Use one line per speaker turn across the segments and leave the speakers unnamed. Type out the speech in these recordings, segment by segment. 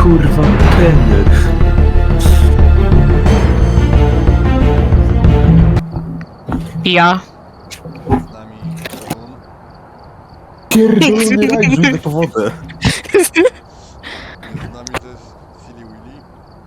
Kurwa, Kenner.
Ja.
Z nami Run.
Pierdolony raj, rzucę po wodę.
Jest z nami też Silly Willy.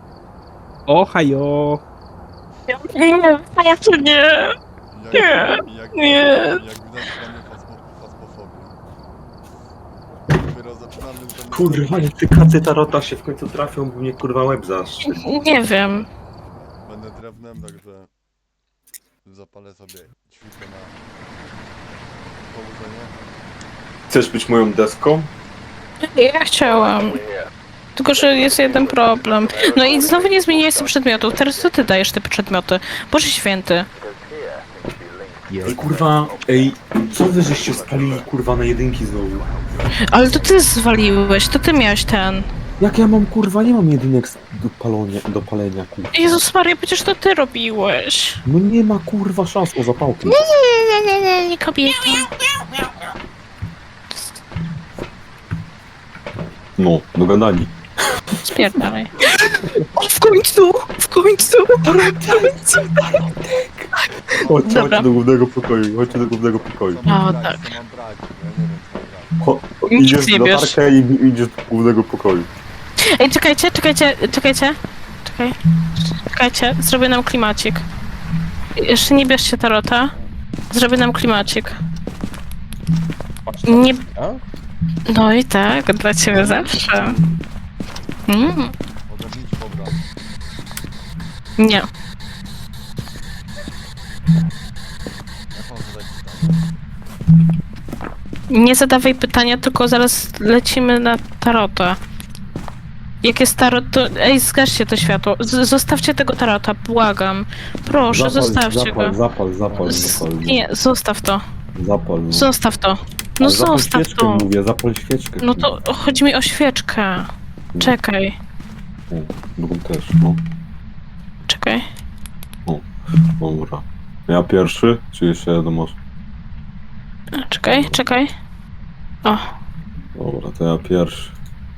Ohajo!
Nie, ja to nie. Nie.
Jak widać mamy fasmofobię. Dopiero zaczynamy z tym.
Kurwa, jak ty kacy tarota się w końcu trafią, bo mnie kurwa łeb zaszczy.
Nie wiem.
Będę drewnem, także zapalę sobie ćwikę na położenie.
Chcesz być moją deską?
Ja chciałam. Tylko, że jest jeden problem. No i znowu nie zmieniłeś sobie przedmiotów. Teraz to ty dajesz te przedmioty. Boże święty.
Ej, kurwa, ej, co wy żeście spalili kurwa na jedynki znowu?
Ale to ty zwaliłeś, to ty miałeś ten.
Jak ja mam kurwa, nie mam jedynek do palenia kurwa.
Jezus Maria, przecież to ty robiłeś.
No nie ma kurwa szans o zapałki.
Nie, kobieta.
No, dogadani.
Spierdalaj. O, w końcu! W końcu!
Chodźcie
Dobra.
do głównego pokoju, chodźcie do głównego pokoju.
Co mam
O,
brać,
tak.
co mam brać? Ja nie wiem co mam brać.
Nic
Idziesz
nie
na
bierz.
tarkę i idziesz do głównego pokoju.
Ej, czekajcie. Czekajcie, zrobię nam klimacik. Jeszcze nie bierzcie tarota. Zrobię nam klimacik. Nie... No i tak, dla ciebie zawsze.
Ogarnijcie pobra.
Nie.
Jak mam zadać pytanie?
Nie zadawaj pytania, tylko zaraz lecimy na tarota. Jak jest tarot, to... Ej, zgaście to światło. Zostawcie tego tarota, błagam. Proszę, zostawcie go.
Zapal.
Nie, zostaw to.
Zapal. No.
Zostaw to. No
Ale zapal
zostaw
świeczkę,
to.
mówię, zapal świeczkę.
No to chodzi mi o świeczkę. Czekaj,
O, drugą też, no.
czekaj.
Dobra. Ja pierwszy, czy jeszcze jeden masz?
Czekaj. O,
Dobra, to ja pierwszy.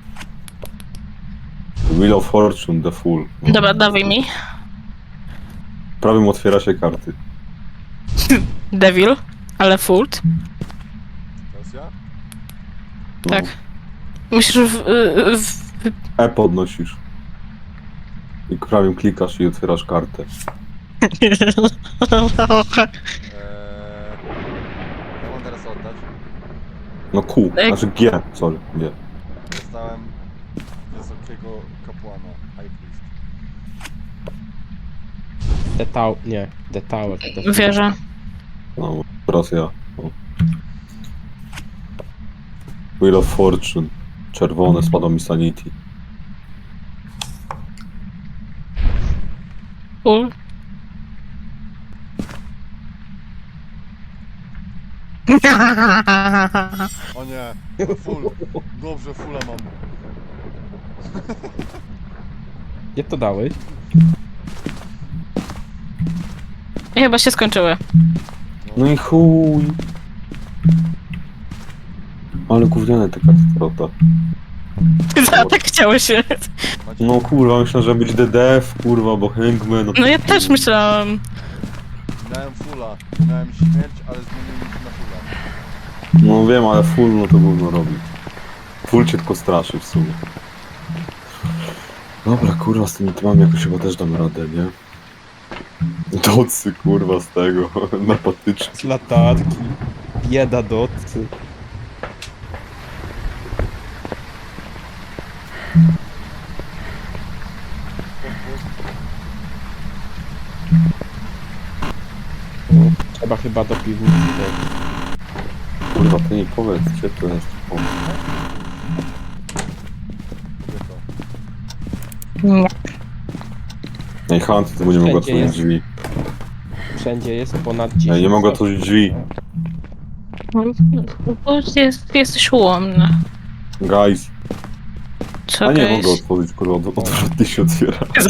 Wheel of Fortune, the Fool. No.
dobra, dawaj mi.
Prawym otwiera się karty.
Devil, ale Fult.
Teraz ja?
No.
Tak. Musisz
E podnosisz. I prawym klikasz i otwierasz kartę.
Jak mam teraz oddać?
No Q,
Ej.
znaczy G, sorry, G.
Dostałem wysokiego kapłana, High Priest.
The Tower.
Wierzę.
No, teraz ja. No. Wheel of Fortune. Czerwone, spada mi Sanity.
Full.
O nie, full. Dobrze, fulla mam.
Gdzie to dałeś?
Chyba się skończyły.
No i chuj. Ale gówniane te karty tarota.
Tak chciało się.
Macie
No kurwa, myślę, że być DDF, kurwa, bo Hangman...
No ja też myślałam.
Miałem fulla, miałem śmierć, ale zmieniłem się na fulla.
No wiem, ale full no to gówno robi. Full cię tylko straszy w sumie. Dobra, kurwa, z tymi tymami jakoś chyba też dam radę, nie? Docy, kurwa, z tego, na patyczki.
Z latarki. Bieda dotcy. Trzeba chyba do piwnicy.
Kurwa, ty nie powiedz, gdzie to jest? O,
Kobieto.
Nie.
ej, Hunt, to będzie mogła
Wszędzie
otworzyć
jest.
drzwi.
Wszędzie jest ponad 10.
Ej, nie mogę otworzyć drzwi.
Bo jesteś ułomny.
Guys.
Co
A nie
okej?
mogę otworzyć, kurwa, odwrotnie się otwiera.
Ej,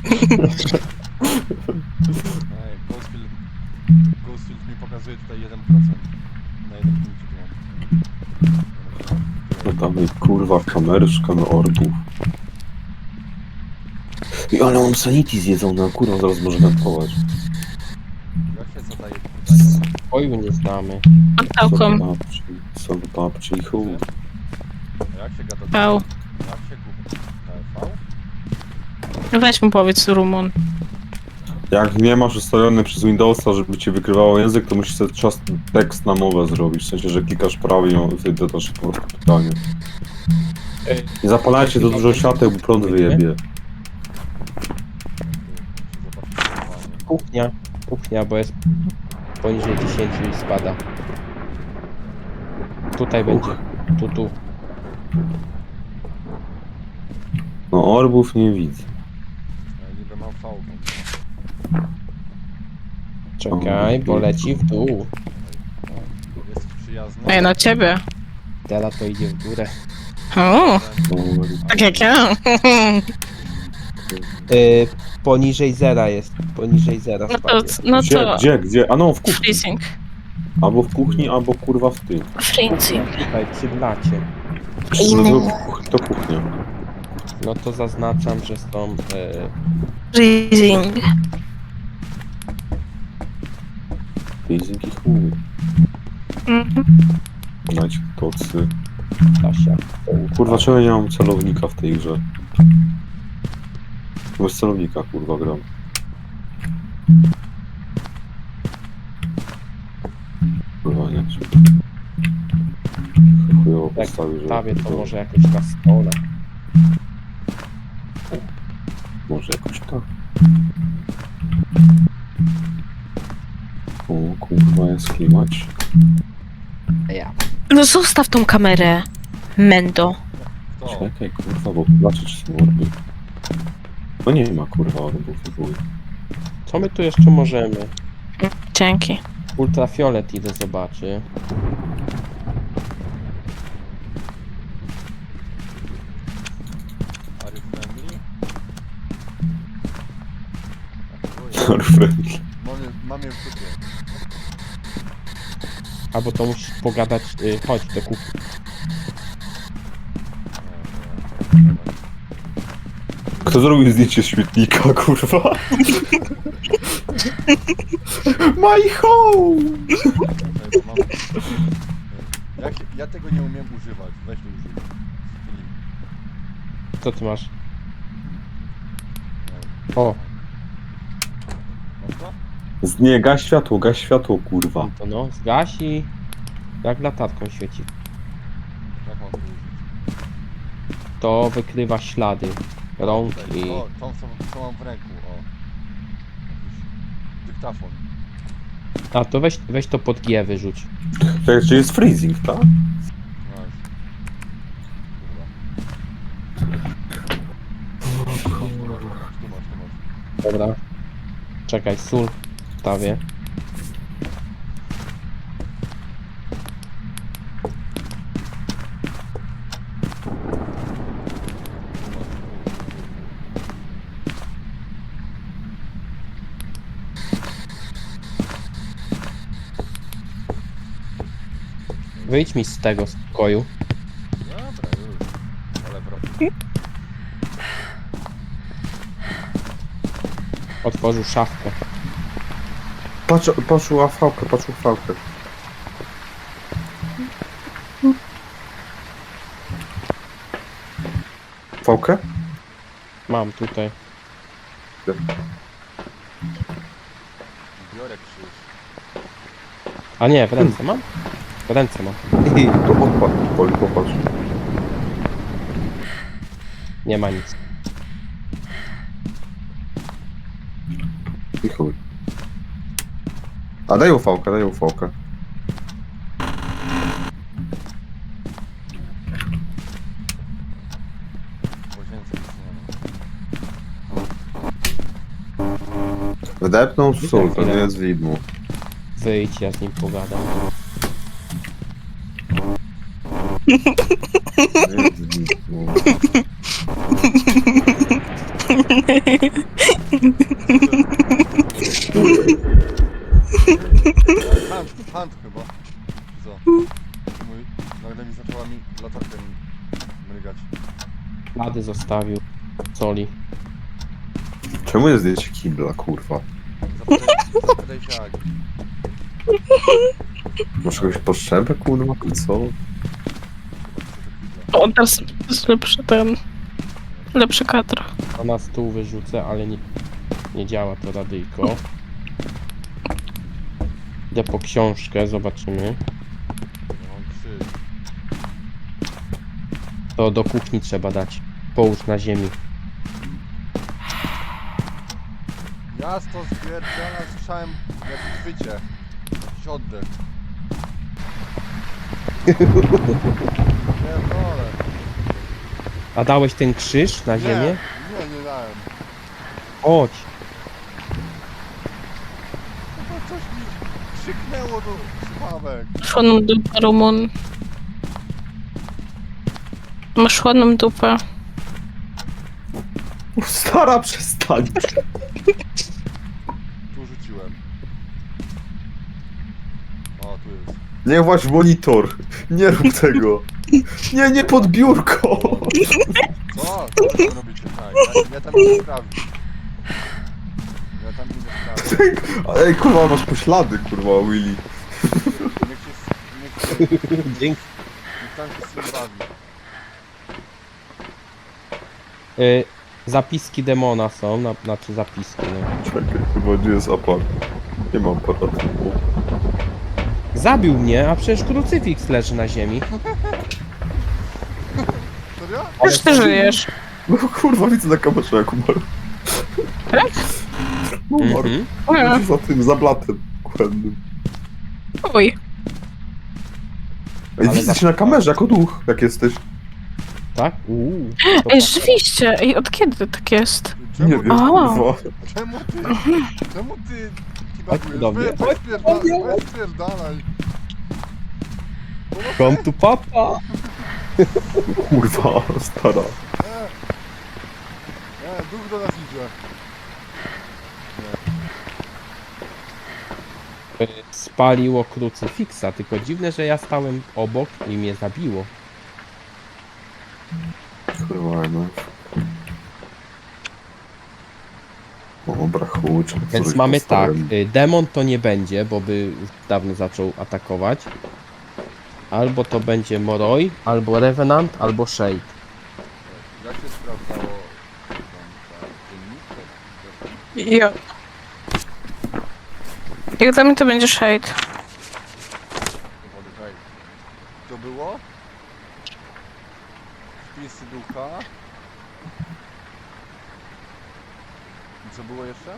Ghostfield mi pokazuje tutaj 1%. Na 1 punkcie tu mam.
No tam i kurwa, kamery, szukamy orbów. I ale on sanity zjedzony, kurwa, zaraz może wentować.
Jak się zadaje pytanie?
Oju nie znamy.
Pałką.
Sobie babci i chuj.
A jak się gada?
Pał.
Jak się gada? V?
Weź mu powiedz Rumun.
Jak nie masz ustawiony przez Windowsa, żeby ci wykrywało język, to musisz sobie czas tekst na mowę zrobić. W sensie, że klikasz prawie i wtedy dodasz po prostu pytanie. Nie zapalajcie do dużo świateł, bo prąd wyjebie.
Kuchnia. Kuchnia, bo jest poniżej 10 i spada. Tutaj będzie. Tu.
No orbów nie widzę.
Ja niby mam V.
Czekaj, bo leci w dół.
Jesteś przyjazny?
Ej, na ciebie.
Teraz to idzie w górę.
O, tak jak ja.
Poniżej zera jest. Poniżej zera
No to,
spadnie.
no
Gdzie,
to...
gdzie? A no, w kuchni.
Freezing.
Albo w kuchni, albo kurwa w tym.
Freezing.
Tutaj przy blacie.
No to kuchnia.
No to zaznaczam, że są...
Freezing.
Freezing i chuj.
Mhm.
Dać tocy.
Kasia.
Kurwa, czemu ja nie mam celownika w tej grze? Bez celownika, kurwa, gram. Kurwa, nie. Chujowo
Jak
postawił, że...
stawię to może jakoś na stole.
Może jakoś tak. O, kurwa, jest klimać.
Ja.
No zostaw tą kamerę. Mendo.
Kto?
Czekaj, kurwa, bo zobaczę, czy są orby. No nie ma, kurwa, orbów w ogóle.
Co my tu jeszcze możemy?
Dzięki.
Ultrafiolet idę zobaczy.
Are you friendly?
Friendly.
Mam je w dupie.
Albo to musisz pogadać, chodź do kuchni.
Kto zrobił zdjęcie śmietnika, kurwa? My home!
Ja tego nie umiem używać. Weź to użyj.
Co ty masz? O.
Masz to?
Nie, gaś światło, kurwa.
To no, zgasi. Jak latarką świeci.
Jak mam to użyć?
To wykrywa ślady rąk
Tutaj.
i...
O, tą co mam w ręku, o. Jakiś dyktafon.
A to weź to pod G wyrzuć.
Tak, czy jest freezing, tak?
Nice. Kurwa. Tu masz.
Dobra. Czekaj, sól wstawię. Wyjdź mi z tego pokoju.
Dobra, już. Ale wracam.
Otworzył szafkę.
Patrzył afałkę, patrzył fałkę. Fałkę?
Mam tutaj.
Biorę krzyż.
A nie, w ręce mam? W ręce mam.
To odpadł, popatrz.
Nie ma nic.
I chuj. A daj ufałkę, daj ufałkę.
W łazience nic nie ma.
Wdepnął sól, to nie jest widmo.
Wyjdź, ja z nim pogadam.
Nie jest widmo.
Hand chyba. Co? Mój, nagle mi zaczęła latarka mrygać.
Ślady zostawił. Soli.
Czemu jest zdjęcie kibla, kurwa?
Zapytaj się Agi.
Masz jakąś potrzebę, kurwa, czy co?
O, teraz jest lepszy lepszy kadr.
A na stół wyrzucę, ale nie działa to radyjko. Idę po książkę, zobaczymy.
Ja mam krzyż.
To do kuchni trzeba dać. Połóż na ziemi.
Ja to stwierdzenia słyszałem jak chwycie. Jakiś oddech. Pierdolę.
A dałeś ten krzyż na ziemię?
Nie dałem.
Chodź.
Chyba coś mi krzyknęło do słuchawek.
Chłodną dupę, Rumun. Masz chłodną dupę.
Stara, przestań.
Tu rzuciłem. O, tu jest.
Nie właź w monitor. Nie rób tego. Nie pod biurko.
Co? Co wy robicie? Tak, ja tam idę sprawdzić. Ja tam idę sprawdzić.
Ej, kurwa, masz poślady, kurwa, Willy.
Niech
Dzięki.
niech tam się z tym bawi.
Zapiski demona są, znaczy zapiski, no.
Czekaj, chyba gdzie jest aparat? Nie mam aparatu.
Zabił mnie, a przecież krucyfiks leży na ziemi.
Serio?
Już ty żyjesz.
No kurwa, widzę na kamerze, jak umarł.
Tak?
No umarł.
A,
Za tym, za blatem kuchennym.
Oj.
Ej,
Ale
widzę cię na kamerze, jako duch, jak jesteś.
Tak?
Ej, rzeczywiście. Ej, od kiedy tak jest?
Nie
Czemu,
wiem,
A.
kurwa.
czemu ty
Chodź tu do mnie.
weź spierdalaj.
Come to papa!
Kurwa, stara.
Duch do nas idzie.
Spaliło krucyfiksa, tylko dziwne, że ja stałem obok i mnie zabiło.
Kurwa, no. O, brachucze.
Więc mamy tak, demon to nie będzie, bo by już dawno zaczął atakować. Albo to będzie Moroi, albo Revenant, albo Shade.
Jak się sprawdzało tam dziennik?
Jo. Jak dla mnie to będzie shade.
Dowody, hej. To było? Wpisy ducha. I co było jeszcze?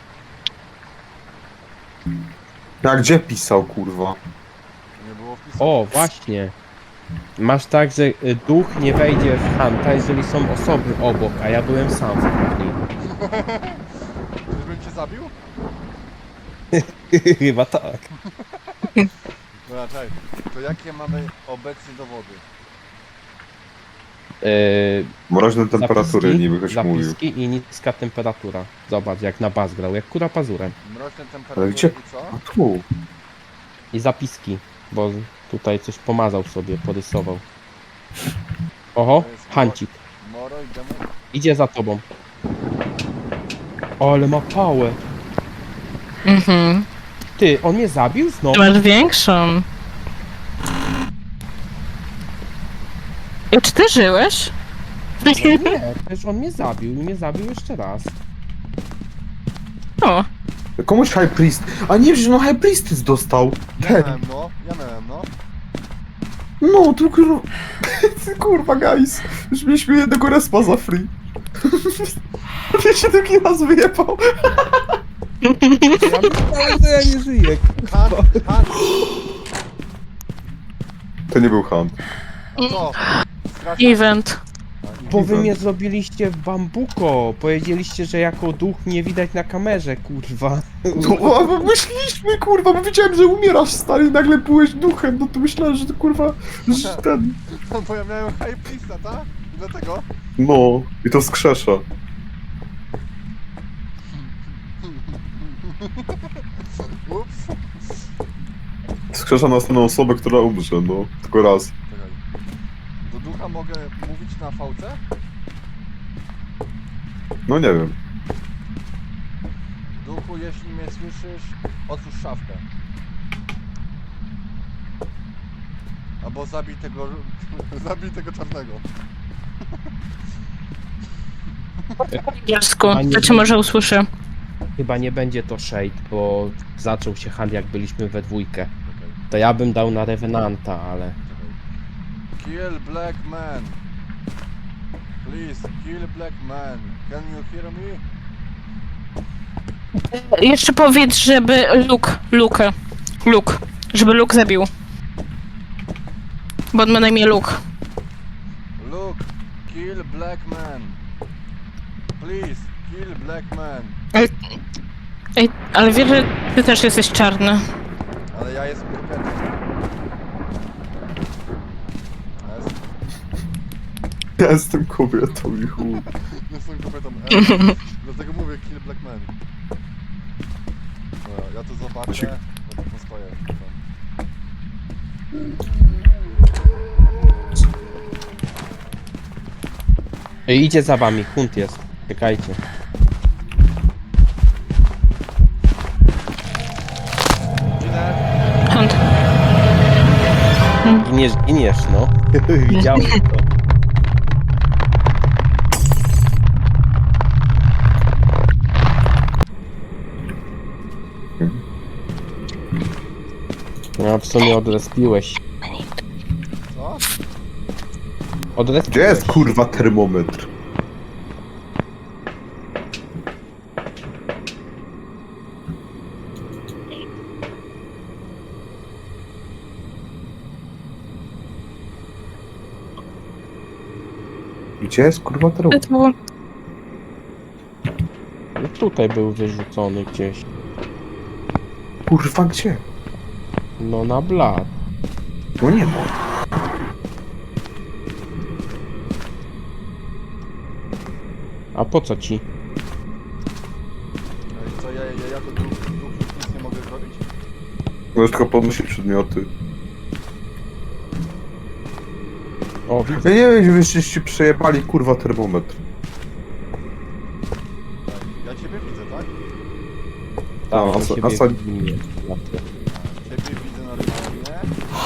A gdzie pisał, kurwa?
Nie było wpisów.
O, właśnie. Masz tak, że duch nie wejdzie w Hanta, jeżeli są osoby obok, a ja byłem sam w kuchni.
Czyżbym cię zabił?
Chyba tak.
Dobra, czekaj. To jakie mamy obecnie dowody?
Mroźne temperatury,
Zapiski,
niby ktoś mówił.
zapiski i niska temperatura. Zobacz, jak na bas grał, jak kura pazurem.
Mroźne
Ale
temperatury
gdzie?
i co?
A tu.
I zapiski, bo tutaj coś pomazał sobie, porysował. Oho,
To jest
Hancik.
Moro i demon?
Idzie za tobą. O, ale ma pałę.
Mhm.
Ty, on mnie zabił
Ty
znowu?
masz większą. I czy ty żyłeś?
No nie, przecież on mnie zabił i mnie zabił jeszcze raz.
O,
Komuś High Priest. A nie, przecież no High Priestess dostał.
Ja
Ten.
miałem no, ja miałem no.
No, tu kurwa. Kurwa, guys. Już mieliśmy jednego respa za free. Mnie się taki raz wyjebał.
Ja myślałem, że ja nie żyję.
Han, Han!
To nie był Hunt.
A co? Strasznie.
event.
Bo wy mnie zrobiliście w bambuko. Powiedzieliście, że jako duch mnie widać na kamerze, kurwa.
No, a myśleliśmy, kurwa, bo wiedziałem, że umierasz, stary, i nagle byłeś duchem, no to myślałem, że to kurwa, że ten...
No bo ja miałem high priesta, tak? I dlatego?
No, i to skrzesza.
Ups.
Skrzesza następną osobę, która umrze, no, tylko raz.
Czekaj. Do ducha mogę mówić na VC?
No nie wiem.
Duchu, jeśli mnie słyszysz, otwórz szafkę. Albo zabij tego... zabij tego czarnego.
Po angielsku,
A nie-
to cię może usłyszę.
Chyba nie będzie to Shade, bo zaczął się hand jak byliśmy we dwójkę.
Okej,
To ja bym dał na Revenanta, ale...
czekaj. Kill black man. Please, kill black man. Can you hear me?
Jeszcze powiedz, żeby Luke, żeby Luke zabił. Bo on ma na imię Luke.
Look, kill black man. Please, kill black man.
Ej, ale wiesz, że ty też jesteś czarny.
Ale ja jestem kobietą.
Ja jestem kobietą i chuj.
Jestem kobietą. Dlatego mówię kill black man. Dobra, ja to zobaczę. No to postoję.
Idzie za wami, hunt jest. Czekajcie.
Ginę.
Hunt.
Giniesz, no. Widziałem to. No, w sumie odrespiłeś.
Co?
Odrespiłeś.
Gdzie jest kurwa termometr? Gdzie jest kurwa termometr?
To było...
No, tutaj był wyrzucony gdzieś.
Kurwa gdzie?
No na blat.
No nie ma.
A po co ci?
Ej, co, ja to duch nic nie mogę zrobić?
Możesz tylko podnosić przedmioty.
O, widzę.
Ja nie wiem, żebyście przejebali kurwa termometr.
Tak, ja ciebie widzę, tak?
Tam,
a
do
co-
siebie
a co-
widzimy.
Ciebie widzę normalnie.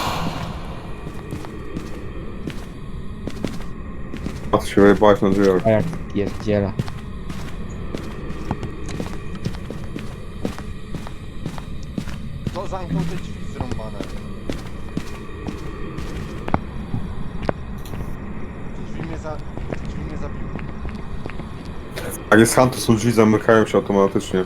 A ty się wyjebałeś na drzwiach.
A jak pierdziela.
Kto zamknął te drzwi zrąbane? Te drzwi mnie zabiły.
Jak jest hunt, to są drzwi zamykają się automatycznie.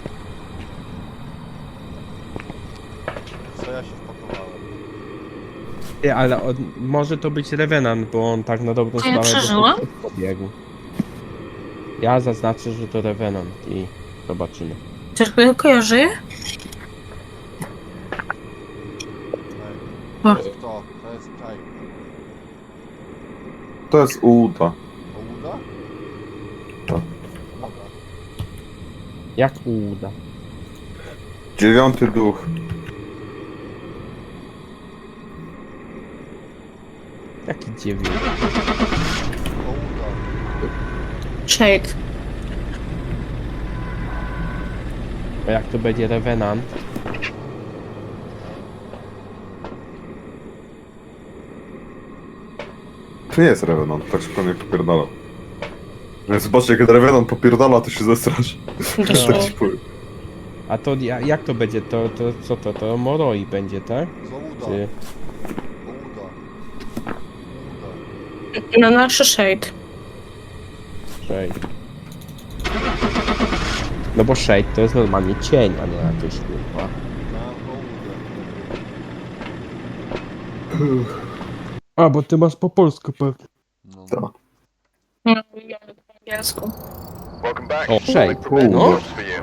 Co ja się wpakowałem?
Ty, ale może to być Revenant, bo on tak na dobrą
A ja
sprawę
przeżyłam?
pobiegł. Ja zaznaczę, że to Revenant i zobaczymy.
Czy tylko ja żyję?
Ej,
O.
to jest kto? To jest czaj.
To jest uda.
Ołuda?
Tak.
Dobra.
Jak uda.
9 duch.
Jaki dziewięć.
Ołuda.
Shade.
A jak to będzie Revenant?
To nie jest Revenant, tak szybko mnie popierdala. Więc zobaczcie, jak Revenant popierdala, to się zestrasz. Tak ci powiem.
A to jak to będzie? To co to? To Moroi będzie, tak?
Z Ołuda.
Czy...
Ołuda. Ołuda.
No nasze Shade.
Shade. No bo Shade to jest normalnie cień, a nie jakieś kurwa.
Na Ołudę.
A, bo ty masz po polsku pewnie.
No.
Tak.
No, ja po angielsku.
O, Shade.
Kurwa.
No.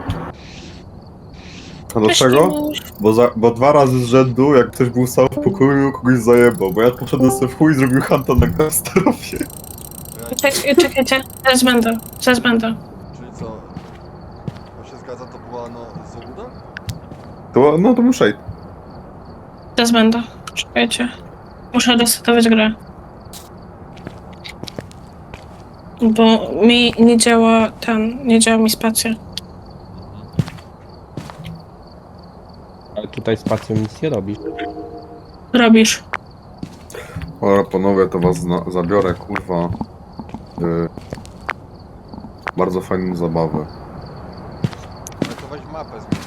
A dlaczego? Bo 2 razy z rzędu, jak ktoś był sam w pokoju, kogoś zajebał. Bo ja poszedłem sobie w chuj i zrobił hunta na Gastarofie.
Czekajcie, zaraz będę.
Czyli co? To się zgadza, to była no z Ołuda?
No to muszę iść.
Zaraz będę. Czekajcie. Muszę resetować grę. Bo mi nie działa nie działa mi spacja.
tutaj spacją nic nie robisz.
Robisz.
Dobra, panowie, to was zabiorę, kurwa. Bardzo fajną zabawę.
Ale to weź mapę zmień.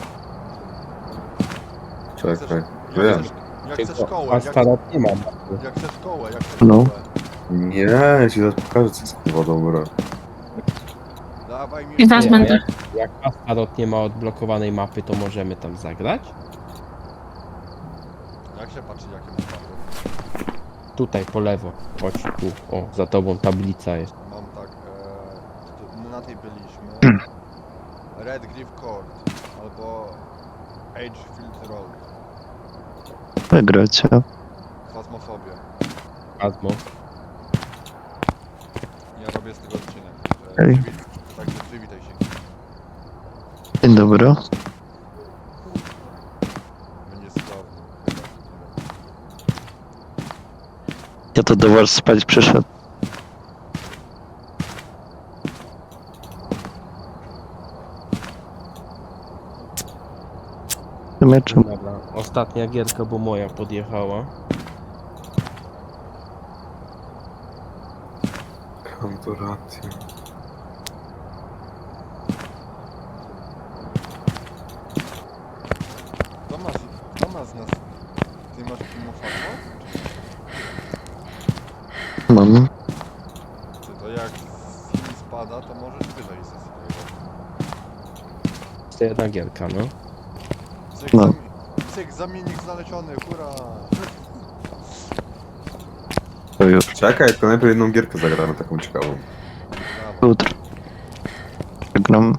Czekaj.
Jak
Wiem.
chcesz, jak chcesz kołę,
A starot nie mam.
jak chcesz kołę, jak chcesz
No.
kołę.
Nie, ja ci zaraz pokażę, co jest kurwa dobre.
Dawaj mi
I zaraz
Nie,
będę.
Jak Astarot nie ma odblokowanej mapy, to możemy tam zagrać?
Jak się patrzy, jakie masz mapy?
Tutaj po lewo. Chodź tu. O, za tobą tablica jest.
Mam tak, na tej byliśmy. Red Griff Court albo Edgefield Road.
Wygracie.
Fasmofobia.
Azmo.
Ja robię z tego odcinek.
Okej.
Także przywitaj się.
Dzień dobry.
Będzie cudowny.
Ja to do was spać przyszedł. W sumie czemu?
Dobra. Ostatnia gierka, bo moja podjechała.
Kantoracja.
Kto ma z nas... Ty masz Timofano?
Mam.
Ty to jak z nim spada, to możesz wyżej ze swojego.
To jedna gierka, no.
Cyk,
No.
cyk, zamiennik znaleziony, hurra!
To już.
Czekaj, to najpierw jedną gierkę zagramy, taką ciekawą.
Brawo.
Jutro. Gram.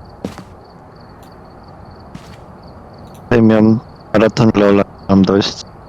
Tutaj miałem maraton Lola. Mam dość.